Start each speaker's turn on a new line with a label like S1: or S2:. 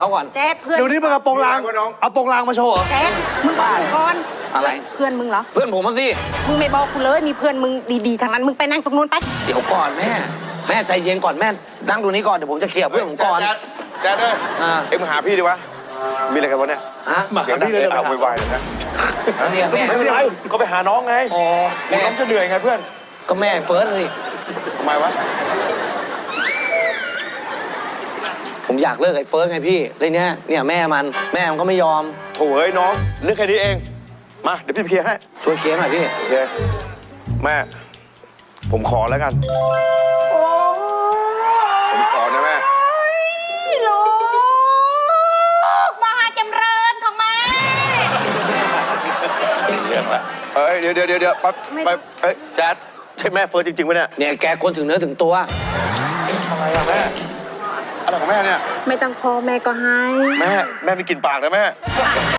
S1: เอาก่อน
S2: แจ๊คเพื่อน
S3: เดี๋ยวนี้มึงเอาโปรงลางเอาโปรงลางมาโชว์เหรอ
S2: แจ๊คมึงบอกก่อน
S1: อะไร
S2: เพื่อนมึงเหรอ
S1: เพื่อนผมมาสิ
S2: มึงไม่บอกกูเลยมีเพื่อนมึงดีๆทางนั้นมึงไปนั่งตรงนู้นไป
S1: เดี๋ยวก่อนแม่ใจเย็นก่อนแม่นั่งตรงนี้ก่อนเดี๋ยวผมจะเคลียร์เพื่อนผมก่อน
S4: แจ๊ดเอ้ย เอ็งมาหาพี่ดีวะมีอะไรกันวะเนี่ย
S1: ฮะ
S3: มาหาพี่เลยเดี๋ยว
S4: เอา
S3: ไป
S4: ไว
S3: หา
S4: ๆเลยนะ
S1: เนี่ยแม่
S4: ไม่เป็นไรก็ไปหาน้องไง
S1: อ๋อ
S4: แม่
S1: แม่
S4: น้องจะเหนื่อยไงเพื่อน
S1: ก็แม่เฟิร์สเลย
S4: ทำไมวะ
S1: ผมอยากเลิกไอ้เฟิร์สไงพี่เลยเนี่ยแม่มันก็ไม่ยอม
S4: โถ่เอ้ยน้องเรื่องแค่นี้เองมาเดี๋ยวพี่เคลียร์ให้
S1: ช่วยเคลียร์หน่อยพี่
S4: โอเคแม่ผมขอแล้วกัน
S2: โอ้
S4: ผมขอนะแม่
S2: ยลูกมหาจำเริญของแม่
S4: เรื่องละเอ้ยเดี๋ยวไปเอ้ยแจ๊ดใช่แม่เฟิร์สจริงๆปะเนี่ย
S1: เนี่ยแกคนถึงเนื้อถึงตัว
S4: อะไรอะแม่อะไรของแม่เนี่ย
S2: ไม่ต้องคอแม่ก็ให้
S4: แม่มีกลิ่นปากนะแม่